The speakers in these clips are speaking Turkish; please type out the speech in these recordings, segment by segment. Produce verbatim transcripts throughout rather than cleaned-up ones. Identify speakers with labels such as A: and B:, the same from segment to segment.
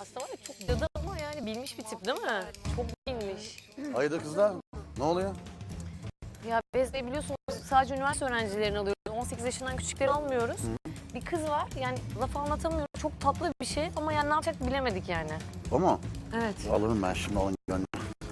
A: Aslında var ya çok dadı ama yani bilmiş bir tip değil mi? Çok bilmiş.
B: Hayırdır kızlar? Ne oluyor?
A: Ya biz de biliyorsunuz sadece üniversite öğrencilerini alıyoruz. on sekiz yaşından küçükleri almıyoruz. Bir kız var yani laf anlatamıyorum. Çok tatlı bir şey ama yani ne yapacak bilemedik yani.
B: O mu?
A: Evet.
B: Alırım ben şimdi onun gönlünü.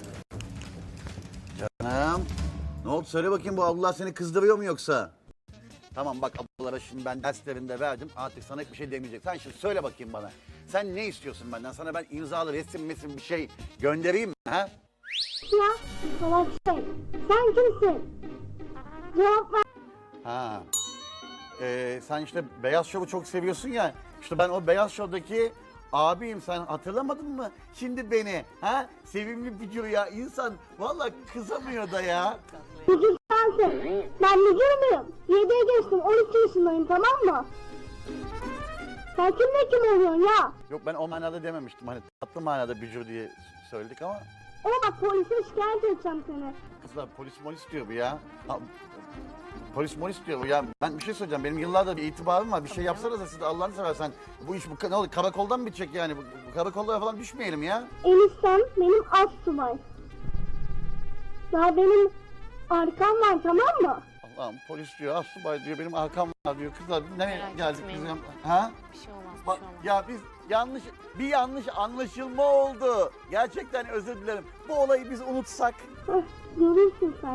B: Canım. Ne oldu söyle bakayım, bu ablalar seni kızdırıyor mu yoksa? Tamam bak, ablalara şimdi ben derslerinde verdim, artık sana hiçbir şey demeyecek. Sen şimdi söyle bakayım bana. Sen ne istiyorsun benden? Sana ben imzalı resim mesim bir şey göndereyim mi? Ha?
C: Ya salak şey. Sen kimsin? Cevap ver.
B: Ha. Ee, sen işte Beyaz Şov'u çok seviyorsun ya. İşte ben o Beyaz Şov'daki abiyim, sen hatırlamadın mı? Şimdi beni, ha? Sevimli video ya, insan vallahi kızamıyor da ya.
C: Mücür sensin. Ben mücür müyüm? Yediye geçtim. on iki yaşındayım, tamam mı? Sen kimle kim oluyorsun ya?
B: Yok, ben o manada dememiştim, hani tatlı manada bücür diye söyledik ama
C: Ama bak polise şikayet edeceğim seni.
B: kızlar polis molis diyor bu ya. Ha, polis molis diyor bu ya. Ben bir şey söyleyeceğim, benim yıllardır bir itibarım var, bir şey yapsanıza siz de Allah'ını seversen. Bu iş bu ne olur, karakoldan mı bitecek yani? Bu, bu karakollara falan düşmeyelim ya.
C: Eniştem benim astsubay. Daha benim arkam var, tamam mı?
B: Allah'ım, polis diyor, asubay diyor, benim arkam var diyor. Kızlar nereye
A: Merak
B: geldik
A: etmeyin.
B: biz ya? Ha?
A: Bir şey olmaz, bir
B: Bak
A: şey olmaz.
B: ya, biz yanlış, bir yanlış anlaşılma oldu. Gerçekten özür dilerim. Bu olayı biz unutsak.
C: Heh, görürsün sen.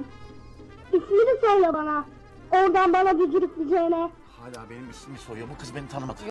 C: İsmini söyle bana. Oradan bana gücürükleyeceğine.
B: Hala benim ismimi soruyor. Bu kız beni tanımadı.